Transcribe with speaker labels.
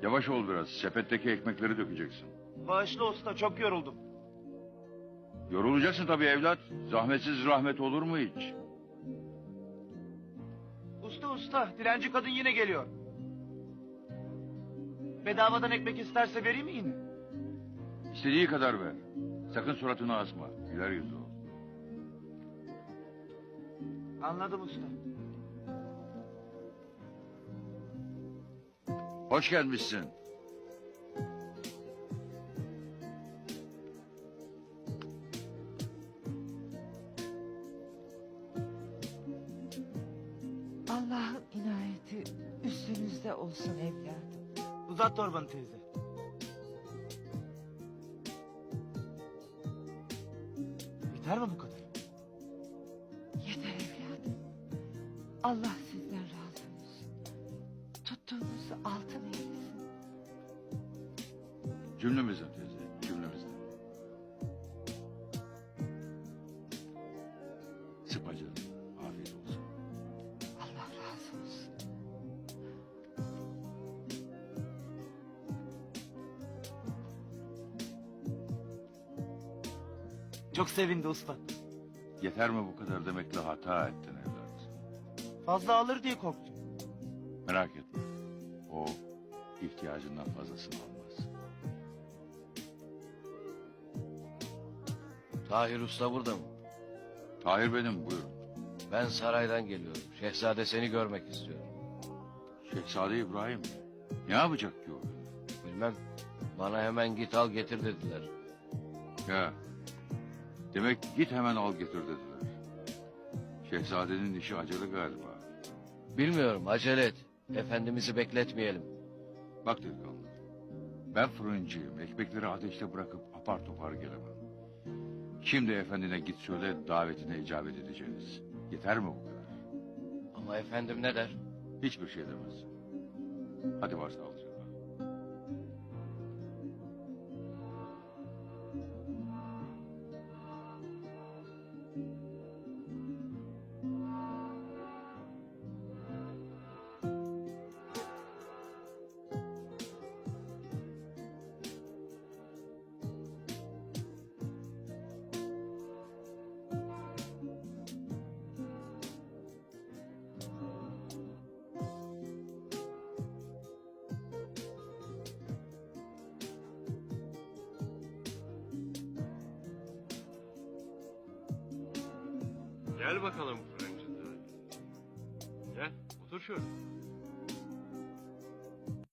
Speaker 1: Yavaş ol biraz. Sepetteki ekmekleri dökeceksin.
Speaker 2: Bağışla usta, çok yoruldum.
Speaker 1: Yorulacaksın tabii evlat. Zahmetsiz rahmet olur mu hiç?
Speaker 2: Usta, dilenci kadın yine geliyor. Bedavadan ekmek isterse vereyim mi yine?
Speaker 1: İstediği kadar ver. Sakın suratını asma. Güler yüzlü ol.
Speaker 2: Anladım usta.
Speaker 1: Hoş gelmişsin.
Speaker 3: Allah'ın inayeti üstünüzde olsun evladım.
Speaker 2: Uzat torbanı teyze. Yeter mi bu kadar?
Speaker 3: Yeter evladım. Allah sizden razı olsun. Tuttuğunuzu altın eylesin.
Speaker 1: Cümlemizden teyze. Cümlemizden. Sıkma canını. Afiyet olsun.
Speaker 3: Allah razı olsun.
Speaker 2: Çok sevindi usta.
Speaker 1: Yeter mi bu kadar demekle hata ettin evlat.
Speaker 2: Fazla alır diye korktum.
Speaker 1: Merak etme. O ihtiyacından fazlasını almaz.
Speaker 4: Tahir Usta burada mı?
Speaker 1: Tahir benim, buyurun.
Speaker 4: Ben saraydan geliyorum. Şehzade seni görmek istiyor.
Speaker 1: Şehzade İbrahim mi? Ne yapacak ki o?
Speaker 4: Bilmem. Bana hemen git al getir dediler.
Speaker 1: Ya. Demek git hemen al getir dediler. Şehzadenin işi acele galiba.
Speaker 4: Bilmiyorum acele et. Efendimiz'i bekletmeyelim.
Speaker 1: Bak delikanlı. Ben fırıncıyım. Ekmekleri ateşte bırakıp apar topar gelemem. Şimdi efendine git söyle davetine icabet edeceğiz. Yeter mi bu kadar?
Speaker 4: Ama efendim ne der?
Speaker 1: Hiçbir şey demez. Hadi varsa alacağım.
Speaker 5: Gel bakalım fırıncı. Gel, otur şöyle.